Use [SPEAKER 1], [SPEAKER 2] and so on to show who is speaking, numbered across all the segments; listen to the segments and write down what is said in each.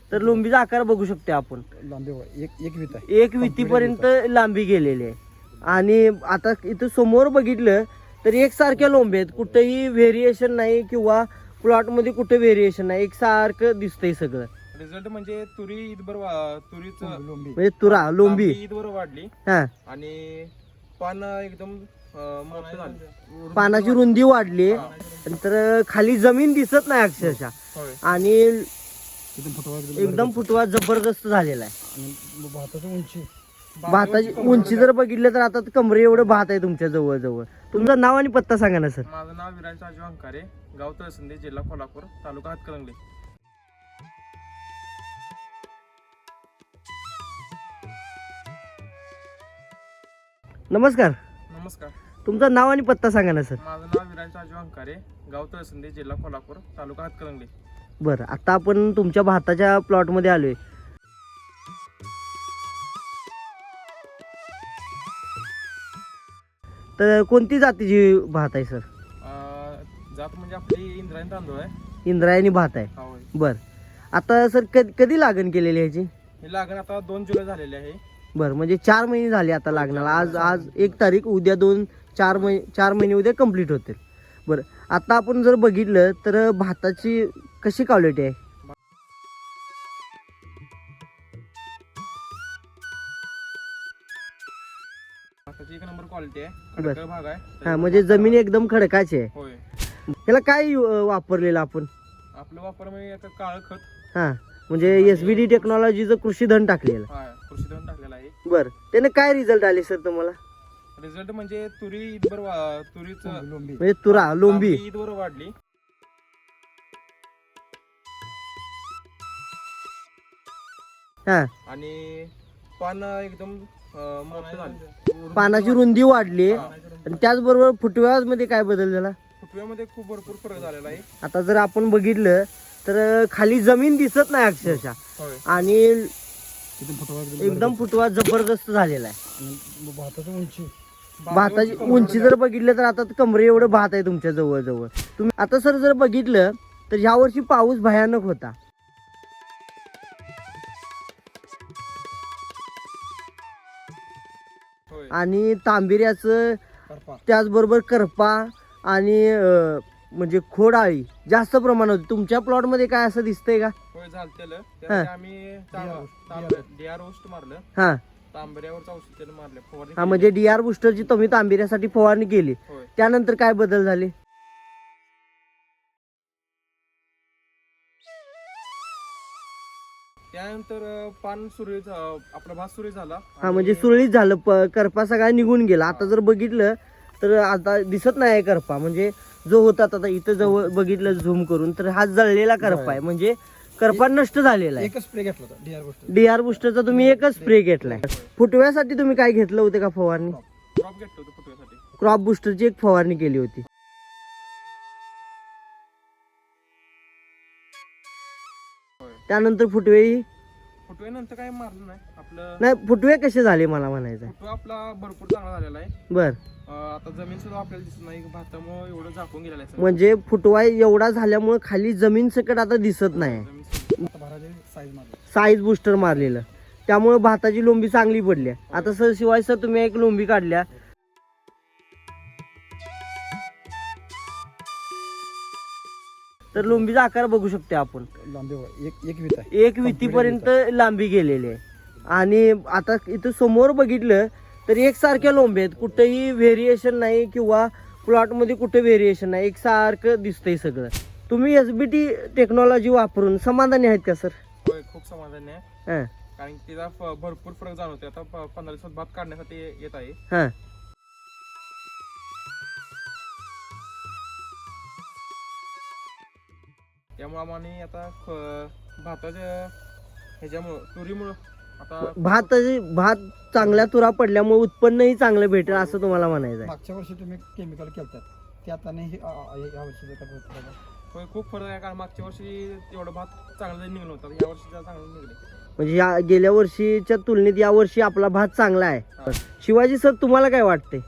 [SPEAKER 1] तर लोंबीचा आकार बघू शकतो आपण.
[SPEAKER 2] लांबी एक वित आहे,
[SPEAKER 1] एक वितीपर्यंत लांबी गेलेली आहे. आणि आता इथं समोर बघितलं तर एकसारख्या लोंबी आहेत, कुठेही व्हेरिएशन नाही किंवा प्लॉट मध्ये कुठे व्हेरिएशन नाही, एकसारखं दिसतंय सगळं.
[SPEAKER 3] रिझल्ट म्हणजे तुरी ईदभर तुरीचं
[SPEAKER 2] लोंबी
[SPEAKER 1] म्हणजे तुरा लोंबी
[SPEAKER 3] ईदभर वाढली
[SPEAKER 1] हा,
[SPEAKER 3] आणि पान एकदम मोठं झालं.
[SPEAKER 1] पानाची रुंदी वाढली, तर खाली जमीन दिसत नाही अक्षरशः.
[SPEAKER 3] होय.
[SPEAKER 1] आणि
[SPEAKER 2] एकदम फुटवा
[SPEAKER 1] एकदम फुटवा जबरदस्त झालेला आहे.
[SPEAKER 2] आणि भाताची उंची
[SPEAKER 1] भाताची उंची जर बघितलं तर आता कमरे एवढं भात आहे तुमच्या जवळ जवळ. तुमचं नाव आणि पत्ता सांगा ना सर.
[SPEAKER 3] माझं नाव विराज राजू अंकारे, गाव तळसंदे, जिल्हा कोल्हापूर, तालुका हातकणंगले.
[SPEAKER 1] नमस्कार,
[SPEAKER 3] नमस्कार.
[SPEAKER 1] तुमचं नाव आणि पत्ता सांगा ना सर.
[SPEAKER 3] माझं नाव विराज राजू अंकारे, गाव तळसंदे, जिल्हा कोल्हापूर, तालुका हातकणंगले.
[SPEAKER 1] बरं, आता आपण तुमच्या भाताच्या प्लॉट मध्ये आलोय. तर कोणती जातीची भात आहे सर?
[SPEAKER 3] जात म्हणजे आपली इंद्रायणी तांदूळ आहे.
[SPEAKER 1] इंद्रायणी भात आहे.
[SPEAKER 3] हा, होय.
[SPEAKER 1] बर, आता सर कधी लागण केलेली ह्याची?
[SPEAKER 3] हे लागण आता 2 जुलै झालेले आहे.
[SPEAKER 1] बर, म्हणजे 4 महिने झाले आता लागणाला. आज 1 तारीख, उद्या 4 महिने उद्या कंप्लीट होतील. बरं, आता आपण जर बघितलं तर भाताची कशी क्वालिटी आहे?
[SPEAKER 3] भाताची 1 नंबर क्वालिटी आहे,
[SPEAKER 1] बर.
[SPEAKER 3] खडकर भाग आहे.
[SPEAKER 1] हा, म्हणजे जमीन एकदम खडकाची आहे.
[SPEAKER 3] होय.
[SPEAKER 1] त्याला काय वापरलेलं आपण?
[SPEAKER 3] आपलं वापर म्हणजे आता काळं खत,
[SPEAKER 1] हा, म्हणजे SBD टेक्नॉलॉजीचं कृषी धन टाकलेलं.
[SPEAKER 3] कृषी धन टाकलेलं आहे.
[SPEAKER 1] बर, त्याने काय रिझल्ट आले सर तुम्हाला?
[SPEAKER 3] रिझल्ट म्हणजे तुरी ईदभर तुरीचं
[SPEAKER 2] लोंबी
[SPEAKER 1] म्हणजे तुरा लोंबी
[SPEAKER 3] ईदभर वाढली.
[SPEAKER 1] हा,
[SPEAKER 3] आणि पान एकदम मोठं झालं.
[SPEAKER 1] पानाची रुंदी वाढली, आणि त्याचबरोबर फुटव्यामध्ये काय बदल झाला?
[SPEAKER 3] फुटव्यामध्ये खूप भरपूर फरक झालेला आहे.
[SPEAKER 1] आता जर आपण बघितलं तर खाली जमीन दिसत नाही अक्षरशः.
[SPEAKER 3] होय.
[SPEAKER 1] आणि
[SPEAKER 2] एकदम फुटवा
[SPEAKER 1] एकदम फुटवा जबरदस्त झालेला आहे.
[SPEAKER 2] आणि भाताची उंची
[SPEAKER 1] भाताची उंची जर बघितलं तर आता कमरे एवढं भात आहे तुमच्या जवळ जवळ. तुम्ही आता सर जर बघितलं तर ह्या वर्षी पाऊस भयानक होता.
[SPEAKER 3] होय.
[SPEAKER 1] आणि तांबिऱ्याचं,
[SPEAKER 2] करपा
[SPEAKER 1] त्याचबरोबर करपा आणि म्हणजे खोडाळी जास्त प्रमाणात होती. तुमच्या प्लॉट मध्ये काय असं दिसतंय का?
[SPEAKER 3] होय, झालतेलं त्यामध्ये आम्ही डीआर ओस्ट मारलं,
[SPEAKER 1] हा
[SPEAKER 3] तांबऱ्यावरचं औषध त्याला मारलं, फवारणी
[SPEAKER 1] हा,
[SPEAKER 3] केली.
[SPEAKER 1] म्हणजे DR बुस्टरची तुम्ही तांबिऱ्यासाठी फवारणी केली.
[SPEAKER 3] होय.
[SPEAKER 1] त्यानंतर काय बदल झाले?
[SPEAKER 3] त्यानंतर पान सुरळीत आपला भात सुरळीत झाला.
[SPEAKER 1] हा, म्हणजे सुरळीत झालं, करपा सगळा निघून गेला. आता जर बघितलं तर आता दिसत नाही करपा, म्हणजे जो होता आता इथं जवळ बघितलं झूम करून तर हा जळलेला करपा आहे, म्हणजे करपा नष्ट झालेला आहे.
[SPEAKER 2] एकच स्प्रे घेतला होता डीआर गोष्ट.
[SPEAKER 1] DR बुस्टरचा तुम्ही एकच स्प्रे घेतलाय. फुटव्यासाठी तुम्ही काय घेतलं होतं का फवारणी?
[SPEAKER 3] क्रॉप घेतलं होतं फुटव्यासाठी.
[SPEAKER 1] क्रॉप बुस्टरची एक फवारणी केली होती.
[SPEAKER 3] होय.
[SPEAKER 1] त्यानंतर फुटवे
[SPEAKER 3] फुटव्यानंतर काय मारलं नाही आपलं.
[SPEAKER 1] नाही, फुटवे कसे झाले मला म्हणायचं आहे.
[SPEAKER 3] फुटवा आपला भरपूर चांगला झालेला आहे.
[SPEAKER 1] बर,
[SPEAKER 3] आता जमीन सुद्धा आपल्याला दिसत नाही, भातामुळे एवढं झाकून गेलेलं आहे सगळं.
[SPEAKER 1] म्हणजे फुटवा एवढा झाल्यामुळे खाली जमीन सकट आता दिसत नाही.
[SPEAKER 3] जमीन सगळी.
[SPEAKER 2] आता भाराचे साईज मारली.
[SPEAKER 1] साईज बुस्टर मारलेलं, त्यामुळे भाताची लोंबी चांगली पडली. आता सर शिवाय सर तुम्ही एक लोंबी काढल्या, तर लोंबीचा आकार बघू शकतो आपण.
[SPEAKER 2] लांबी एक वित आहे,
[SPEAKER 1] एक वितीपर्यंत लांबी गेलेली आहे. आणि आता इथं समोर बघितलं तर एकसारख्या लोंबी आहेत, कुठेही व्हेरिएशन नाही किंवा प्लॉट मध्ये कुठे व्हेरिएशन नाही, एकसारखं दिसतंय सगळं. तुम्ही SBD टेक्नॉलॉजी वापरून समाधानी आहेत का सर?
[SPEAKER 3] होय, खूप समाधान आहे.
[SPEAKER 1] हा
[SPEAKER 3] कारण की त्याचा भरपूर फरक जाणवते. आता 15 दिवसात भात काढण्यासाठी येत आहे.
[SPEAKER 1] हा,
[SPEAKER 3] त्यामुळे आम्हाला आता भाताच्या ह्याच्यामुळं तुरीमुळं आता
[SPEAKER 1] भात चांगल्या तुरा पडल्यामुळे उत्पन्नही चांगलं भेटेल असं तुम्हाला म्हणायचं आहे.
[SPEAKER 2] मागच्या वर्षी तुम्ही केमिकल केलतात ते आता नाही या वर्षी
[SPEAKER 3] होय, खूप फरक आहे. कारण मागच्या वर्षी एवढं भात चांगलं निघलं होतं, या वर्षी चांगलं निघले.
[SPEAKER 1] म्हणजे या गेल्या वर्षीच्या तुलनेत या वर्षी आपला भात चांगला आहे.
[SPEAKER 3] हा.
[SPEAKER 1] शिवाजी सर, तुम्हाला काय वाटते?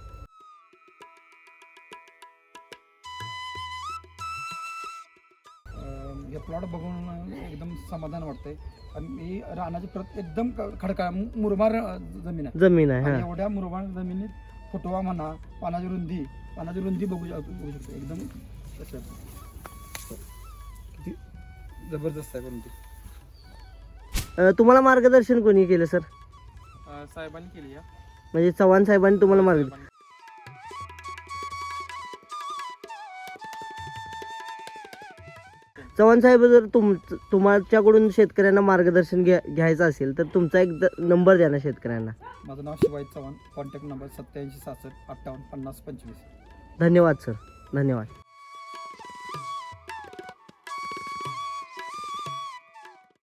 [SPEAKER 2] प्लॉट बघून एकदम समाधान वाटतंय. आणि ही रानाची प्रत एकदम खडकाळ मुरमार जमीन आहे.
[SPEAKER 1] जमीन आहे.
[SPEAKER 2] आणि
[SPEAKER 1] हा
[SPEAKER 2] एवढ्या मुरमार जमिनीत फुटवा म्हणा, पानाची रुंदी बघू शकतो एकदम कसं आहे. किती जबरदस्त आहे. परंतु
[SPEAKER 1] तुम्हाला मार्गदर्शन कोणी केलं सर?
[SPEAKER 3] साहेबांनी केली या.
[SPEAKER 1] म्हणजे चव्हाण साहेबांनी तुम्हाला मार्गदर्शन. चव्हाण साहेब, जर तुमच्याकडून शेतकऱ्यांना मार्गदर्शन घ्यायचं असेल तर तुमचा एक नंबर द्या ना शेतकऱ्यांना.
[SPEAKER 2] माझं नाव शिवाजी चव्हाण. Contact number 87 66 58 50 25.
[SPEAKER 1] धन्यवाद सर, धन्यवाद.